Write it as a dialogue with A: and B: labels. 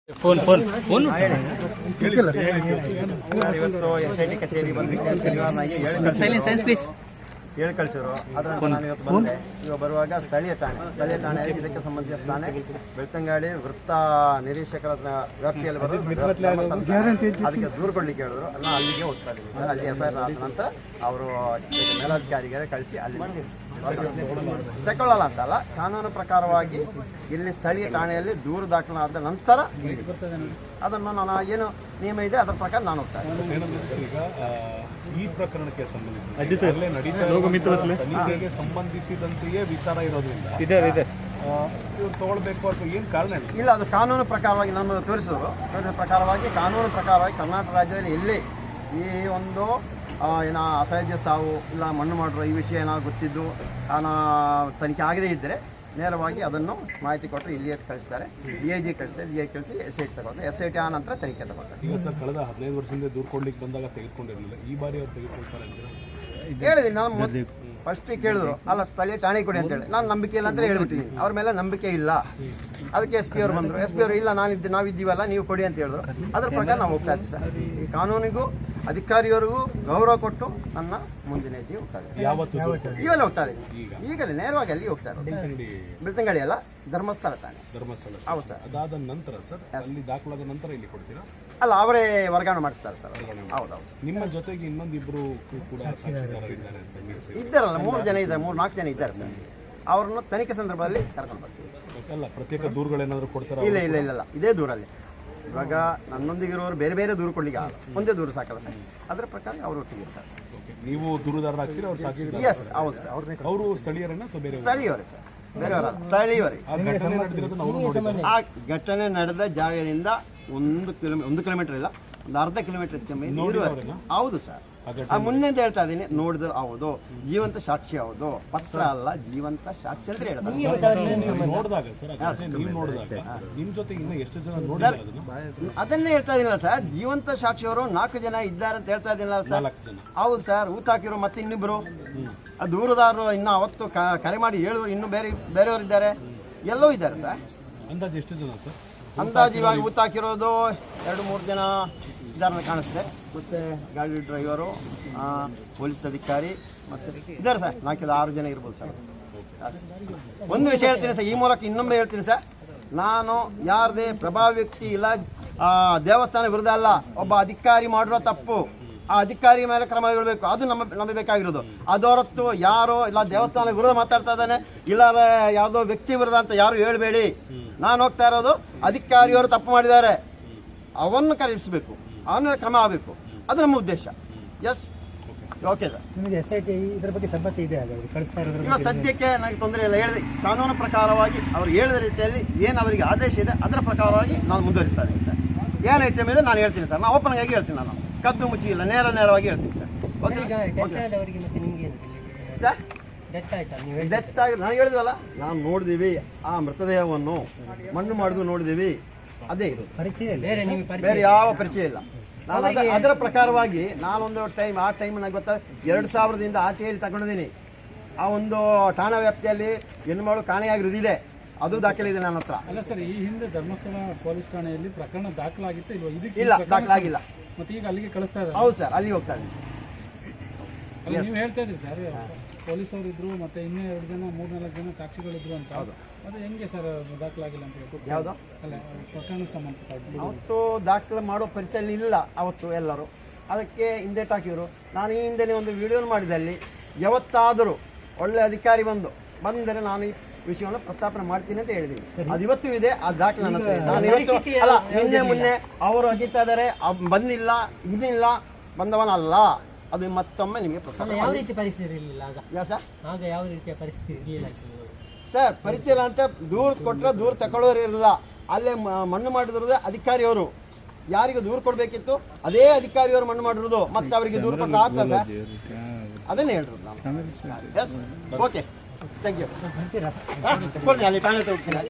A: Phone
B: ಇವತ್ತು SIT ಕಚೇರಿ ಹೇಳಿ ಕಳಿಸಿದ್ರು. ಅದರಂತೆ ನಾನು ಇವತ್ತು ಬಂದೆ. ಇವಾಗ ಬರುವಾಗ ಸ್ಥಳೀಯ ಠಾಣೆಯಲ್ಲಿ ಇದಕ್ಕೆ ಸಂಬಂಧಿಸಿದ ಠಾಣೆ ಬೆಳ್ತಂಗಡಿ ವೃತ್ತ ನಿರೀಕ್ಷಕರ ವ್ಯಾಪ್ತಿಯಲ್ಲಿ ಅದಕ್ಕೆ ದೂರು ಕೊಡ್ಲಿಕ್ಕೆ ಹೇಳಿದ್ರು. ನಾನು ಅಲ್ಲಿಗೆ ಹೋಗ್ತಾ ಇದ್ದೀನಿ ಸರ್. ಅಲ್ಲಿ FIR ಆದ ನಂತರ ಅವರು ಮೇಲಾಧಿಕಾರಿಗೆ ಕಳಿಸಿ ಅಲ್ಲಿ ತಗೊಳ್ಳಲ್ಲ ಅಂತಲ್ಲ, ಕಾನೂನು ಪ್ರಕಾರವಾಗಿ ಇಲ್ಲಿ ಸ್ಥಳೀಯ ಠಾಣೆಯಲ್ಲಿ ದೂರು ದಾಖಲಾದ ನಂತರ ಅದನ್ನು ನಾನು ಏನು ನಿಯಮ ಇದೆ ಅದರ ಪ್ರಕಾರ ನಾನು ಹೋಗ್ತಾ ಇದ್ದೀನಿ.
C: ಈ ಪ್ರಕರಣಕ್ಕೆ ಸಂಬಂಧಿಸಿದಂತೆಯೇ ಸಂಬಂಧಿಸಿದಂತೆಯೇ ವಿಚಾರ ಇರೋದ್ರಿಂದ ಇವ್ರು ತಗೊಳ್ಬೇಕು ಅಥವಾ ಏನು ಕಾರಣ
B: ಇಲ್ಲ. ಅದು ಕಾನೂನು ಪ್ರಕಾರವಾಗಿ ನಮ್ಮನ್ನು ತೋರಿಸಿದ್ರು. ಕಾನೂನು ಪ್ರಕಾರವಾಗಿ ಕರ್ನಾಟಕ ರಾಜ್ಯದಲ್ಲಿ ಎಲ್ಲಿ ಈ ಒಂದು ಏನೋ ಅಸಹಜ ಸಾವು ಇಲ್ಲ ಮಣ್ಣು ಮಾಡಿರೋ ಈ ವಿಷಯ ಏನಾದ್ರು ಗೊತ್ತಿದ್ದು ತನಿಖೆ ಆಗದೇ ಇದ್ದರೆ ನೇರವಾಗಿ ಅದನ್ನು ಮಾಹಿತಿ ಕೊಟ್ಟರೆ ಇಲ್ಲಿಯೇ ಕಳಿಸ್ತಾರೆ. DIG ಕಳಿಸ್ತಾರೆ. DIG ಕಳಿಸಿ SIT ತಗೊಳ್ತಾರೆ. SIT ಆ ನಂತರ ತನಿಖೆ ತಗೊಳ್ತಾರೆ.
C: ಈಗ ಸರ್ ಕಳೆದ 15 ವರ್ಷದಿಂದ ದೂರು ಕೊಡ್ಲಿಕ್ಕೆ ಬಂದಾಗ ತೆಗೆದುಕೊಂಡಿರಲಿಲ್ಲ. ಈ ಬಾರಿ ಅವ್ರು ತೆಗೆದುಕೊಳ್ತಾರೆ ಅಂತ
B: ಹೇಳಿದ್ದೀನಿ. ನಾನು ಫಸ್ಟ್ ಕೇಳಿದ್ರು, ಅಲ್ಲ ಸ್ಥಳೀಯ ಠಾಣೆ ಕೊಡಿ ಅಂತೇಳಿ. ನಾನು ನಂಬಿಕೆ ಇಲ್ಲ ಅಂತ ಹೇಳ್ಬಿಟ್ಟಿದ್ದೀನಿ. ಅವ್ರ ಮೇಲೆ ನಂಬಿಕೆ ಇಲ್ಲ. ಅದಕ್ಕೆ SP ಅವರು ಬಂದರು. SP ಅವರು ಇಲ್ಲ ನಾವಿದ್ದೀವಲ್ಲ ನೀವು ಕೊಡಿ ಅಂತ ಹೇಳಿದ್ರು. ಅದರ ಪ್ರಕಾರ ನಾವು ಹೋಗ್ತಾ ಇದ್ದೀವಿ ಸರ್. ಈ ಕಾನೂನಿಗೂ ಅಧಿಕಾರಿಯವರಿಗೂ ಗೌರವ ಕೊಟ್ಟು ನನ್ನ ಮುಂದಿನ ಹೆಜ್ಜೆ ಹೋಗ್ತಾ ಇದ್ದೀವಿ. ಇವೆಲ್ಲ ಹೋಗ್ತಾ ಇದ್ದೀನಿ ಈಗಲೇ ನೇರವಾಗಿ ಅಲ್ಲಿ ಹೋಗ್ತಾ ಇರೋದು. ಬೆಳ್ತಂಗಡಿ ಅಲ್ಲ, ಧರ್ಮಸ್ಥಳ ಠಾಣೆ. ಹೌದು ಸರ್.
C: ಅದಾದ ನಂತರ ಸರ್ ಅಲ್ಲಿ ದಾಖಲಾದ ನಂತರ ಇಲ್ಲಿ ಕೊಡ್ತೀರಾ?
B: ಅಲ್ಲ, ಅವರೇ ವರ್ಗಾವಣೆ ಮಾಡಿಸ್ತಾರೆ ಸರ್. ಹೌದೌದು.
C: ನಿಮ್ಮ ಜೊತೆಗೆ ಇನ್ನೊಂದಿಬ್ರು ಕೂಡ
B: ಇದ್ದಾರಲ್ಲ, 3 ಜನ ಇದ್ದಾರೆ, 3-4 ಜನ ಇದ್ದಾರೆ ಸರ್. ಅವ್ರನ್ನು ತನಿಖೆ ಸಂದರ್ಭದಲ್ಲಿ ಕರ್ಕೊಂಡು ಬರ್ತೀವಿ.
C: ಅಲ್ಲ, ಪ್ರತ್ಯೇಕ ದೂರುಗಳೇನಾದ್ರು ಕೊಡ್ತಾರ?
B: ಇಲ್ಲ, ಇದೇ ದೂರಲ್ಲಿ. ಇವಾಗ ನನ್ನೊಂದಿಗಿರೋರು ಬೇರೆ ಬೇರೆ ದೂರು ಕೊಡ್ಲಿಕ್ಕೆ ಆಗಲ್ಲ, ಒಂದೇ ದೂರು ಸಾಕಲ್ಲ ಸರ್. ಅದರ ಪ್ರಕಾರ ಅವರು ಒಟ್ಟಿಗೆ ಇರ್ತಾರೆ.
C: ನೀವು ದೂರುದಾರರಾಗ್ತೀರಾ? ಅವ್ರು ಸಾಕ್ಷಿ?
B: ಎಸ್, ಹೌದು ಸರ್.
C: ಅವರು ಸ್ಥಳೀಯರನ್ನ ಅಥವಾ ಬೇರೆ?
B: ಸ್ಥಳೀಯವರೇ ಸರ್, ಬೇರೆಯವರಲ್ಲ, ಸ್ಥಳೀಯವರೇ. ಆ ಘಟನೆ ನಡೆದ ಜಾಗದಿಂದ 1 ಕಿಲೋಮೀಟರ್ ಇಲ್ಲ, ಒಂದು ಅರ್ಧ ಕಿಲೋಮೀಟರ್ ಹೌದು ಸರ್. ಮುಂದೆ ಅಂತ ಹೇಳ್ತಾ ಇದ್ದೀನಿ. ನೋಡಿದ್ರೆ ಹೌದು, ಜೀವಂತ ಸಾಕ್ಷಿ ಹೌದು, ಪತ್ರ ಅಲ್ಲ, ಜೀವಂತ ಸಾಕ್ಷಿ ಅಂತ ಹೇಳ್ತಾರೆ. ಅದನ್ನೇ ಹೇಳ್ತಾ ಇದೀನಲ್ಲ ಸರ್, ಜೀವಂತ ಸಾಕ್ಷಿಯವರು 4 ಜನ ಇದ್ದಾರೆ ಅಂತ ಹೇಳ್ತಾ ಇದೀನಲ್ಲ ಸರ್. ಹೌದು ಸರ್. ಊತ ಹಾಕಿರೋ ಮತ್ತೆ ಇನ್ನಿಬ್ರು ದೂರದಾರರು ಇನ್ನು ಅವತ್ತು ಕರೆ ಮಾಡಿ ಹೇಳಿದ್ರು. ಇನ್ನು ಬೇರೆಯವರು ಇದ್ದಾರೆ, ಎಲ್ಲೋ ಇದ್ದಾರೆ ಸರ್.
C: ಅಂದಾಜು ಎಷ್ಟು ಜನ ಸರ್? ಅಂದಾಜು
B: ಇವಾಗ ಊತ ಹಾಕಿರೋದು 2-3 ಜನ ಇದ್ದಾರೆ ಕಾಣಿಸ್ತೆ. ಮತ್ತೆ ಗಾಡಿ ಡ್ರೈವರು, ಪೊಲೀಸ್ ಅಧಿಕಾರಿ ಮತ್ತೆ ಇದ್ದಾರೆ ಸರ್. 4-6 ಜನ ಇರ್ಬೋದು ಸರ್. ಒಂದು ವಿಷಯ ಹೇಳ್ತೀನಿ ಸರ್, ಈ ಮೂಲಕ ಇನ್ನೊಮ್ಮೆ ಹೇಳ್ತೀನಿ ಸರ್. ನಾನು ಯಾರದೇ ಪ್ರಭಾವಿ ವ್ಯಕ್ತಿ ಇಲ್ಲ, ದೇವಸ್ಥಾನ ವಿರುದ್ಧ ಅಲ್ಲ. ಒಬ್ಬ ಅಧಿಕಾರಿ ಮಾಡಿರೋ ತಪ್ಪು, ಆ ಅಧಿಕಾರಿ ಮೇಲೆ ಕ್ರಮ ಇರಬೇಕು. ಅದು ನಮಗೆ ಬೇಕಾಗಿರೋದು. ಅದೊರತು ಯಾರೋ ಇಲ್ಲ ದೇವಸ್ಥಾನ ವಿರುದ್ಧ ಮಾತಾಡ್ತಾ ಇದ್ದಾನೆ, ಇಲ್ಲ ಯಾವುದೋ ವ್ಯಕ್ತಿ ವಿರುದ್ಧ ಅಂತ ಯಾರು ಹೇಳ್ಬೇಡಿ. ನಾನು ಹೋಗ್ತಾ ಇರೋದು ಅಧಿಕಾರಿಯವರು ತಪ್ಪು ಮಾಡಿದ್ದಾರೆ, ಅವನ್ನು ಕರೆಯಿಸಬೇಕು, ಅವನ ಕ್ರಮ ಆಗಬೇಕು. ಅದು ನಮ್ಮ ಉದ್ದೇಶ. Yes, okay sir.
A: ಇದರ ಬಗ್ಗೆ ಸಮ್ಮತಿ ಇದೆ?
B: ಇವಾಗ ಸದ್ಯಕ್ಕೆ ನನಗೆ ತೊಂದರೆ ಇಲ್ಲ. ಹೇಳಿದೆ ಕಾನೂನು ಪ್ರಕಾರವಾಗಿ ಅವ್ರು ಹೇಳಿದ ರೀತಿಯಲ್ಲಿ ಏನು ಅವರಿಗೆ ಆದೇಶ ಇದೆ ಅದರ ಪ್ರಕಾರವಾಗಿ ನಾನು ಮುಂದುವರಿಸ್ತಾ ಇದ್ದೀನಿ ಸರ್. ಏನು ಹೆಚ್ಚು ಇದೆ ನಾನು ಹೇಳ್ತೀನಿ ಸರ್. ನಾನು ಓಪನ್ ಆಗಿ ಹೇಳ್ತೀನಿ. ನಾನು ಕದ್ದು ಮುಚ್ಚಿ ಇಲ್ಲ, ನೇರವಾಗಿ ಹೇಳ್ತೀನಿ ಸರ್. ಸರ್ ಡೆತ್ ಆಗಿ ನಾನು ಹೇಳಿದ್ವಲ್ಲ, ನಾವು ನೋಡಿದೀವಿ ಆ ಮೃತದೇಹವನ್ನು, ಮಣ್ಣು ಮಾಡಿದ್ವು ನೋಡಿದೀವಿ. ಅದೇ ಇದು, ಬೇರೆ ಯಾವ ಪರಿಚಯ ಇಲ್ಲ. ನಾನು ಅದರ ಪ್ರಕಾರವಾಗಿ ನಾನೊಂದು ಟೈಮ್, ಆ ಟೈಮ್ ನನಗೆ ಗೊತ್ತಾ 2000ದಿಂದ ಆರ್ಟಿಯಲ್ಲಿ ತಗೊಂಡಿದ್ದೀನಿ. ಆ ಒಂದು ಠಾಣಾ ವ್ಯಾಪ್ತಿಯಲ್ಲಿ ಹೆಣ್ಣುಮಗಳು ಕಾಣೆಯಾಗಿರೋದಿದೆ, ಅದು ದಾಖಲೆ ಇದೆ ನನ್ನ ಹತ್ರ.
A: ಅಲ್ಲ ಸರ್, ಈ ಹಿಂದೆ ಧರ್ಮಸ್ಥಳ ಪೊಲೀಸ್ ಠಾಣೆಯಲ್ಲಿ ಪ್ರಕರಣ ದಾಖಲಾಗಿತ್ತು
B: ಇಲ್ಲ, ದಾಖಲಾಗಿಲ್ಲ.
A: ಮತ್ತೆ ಈಗ ಅಲ್ಲಿಗೆ ಕಳಿಸ್ತಾ ಇದ್ದಾರೆ?
B: ಹೌದು ಸರ್, ಅಲ್ಲಿಗೆ ಹೋಗ್ತಾ ಇದ್ದೀನಿ.
A: ನೀವು ಹೇಳ್ತಾ ಇದ್ರಿ ಸರ್, ಪೊಲೀಸರು ಇದ್ರು, ಮತ್ತೆ ಇನ್ನೂ 2 ಜನ 3-4 ಜನ ಸಾಕ್ಷಿಗಳಿದ್ರು ಅಂತ. ಅದು ಹೆಂಗೆ ಸರ್ ದಾಖಲಾಗಿಲ್ಲ ಅಂತ?
B: ಯಾವುದು?
A: ಅಲ್ಲ, ಪ್ರಕರಣಕ್ಕೆ ಸಂಬಂಧಪಟ್ಟ
B: ಅವತ್ತು ದಾಖಲೆ ಮಾಡೋ ಪರಿಸ್ಥಿತಿಯಲ್ಲಿ ಇಲ್ಲ ಅವತ್ತು ಎಲ್ಲರೂ. ಅದಕ್ಕೆ ಹಿಂದೇಟ್ ಹಾಕಿದ್ರು. ನಾನು ಈ ಹಿಂದೆ ಒಂದು ವಿಡಿಯೋ ಮಾಡಿದೆ. ಅಲ್ಲಿ ಯಾವತ್ತಾದರೂ ಒಳ್ಳೆ ಅಧಿಕಾರಿ ಬಂದರೆ ನಾನು ಈ ವಿಷಯವನ್ನು ಪ್ರಸ್ತಾಪನೆ ಮಾಡ್ತೀನಿ ಅಂತ ಹೇಳಿದ್ದೀನಿ. ಅದು ಇವತ್ತು ಇದೆ, ಆ ದಾಖಲೆ ನನ್ನ ಹತ್ರ ಇದೆ. ನಾನು ಇವತ್ತು ಅಲ್ಲ, ಮೊನ್ನೆ ಅವರು ಅಗಿತಾ ಇದ್ದಾರೆ, ಬಂದಿಲ್ಲ, ಇನ್ನಿಲ್ಲ, ಬಂದವನಲ್ಲ. ಅದು ಮತ್ತೊಮ್ಮೆ ನಿಮಗೆ ಪ್ರಸ್ತಾಪ.
D: ಯಾವ ರೀತಿ ಪರಿಸ್ಥಿತಿ ಇರಲಿಲ್ಲ
B: ಸರ್?
D: ಆಗ ಯಾವ ರೀತಿಯ ಪರಿಸ್ಥಿತಿ ಇರಲಿಲ್ಲ
B: ಸರ್? ಪರಿಸ್ಥಿತಿ ಇಲ್ಲ ಅಂತ ದೂರು ಕೊಟ್ಟರೆ ದೂರು ತಗೊಳ್ಳೋರು ಇರಲಿಲ್ಲ. ಅಲ್ಲೇ ಮಣ್ಣು ಮಾಡಿರೋದೇ ಅಧಿಕಾರಿಯವರು. ಯಾರಿಗೆ ದೂರು ಕೊಡಬೇಕಿತ್ತು ಅದೇ ಅಧಿಕಾರಿಯವರು ಮಣ್ಣು ಮಾಡಿರೋದು. ಮತ್ತೆ ಅವರಿಗೆ ದೂರು ಕೊಟ್ಟರೆ ಆಗ್ತದೆ ಸರ್? ಅದನ್ನೇ ಹೇಳಿರೋದು ನಾನು. Yes, okay, thank you. ಅಲ್ಲಿ ಠಾಣೆ ಹೋಗ್ತೀನಿ.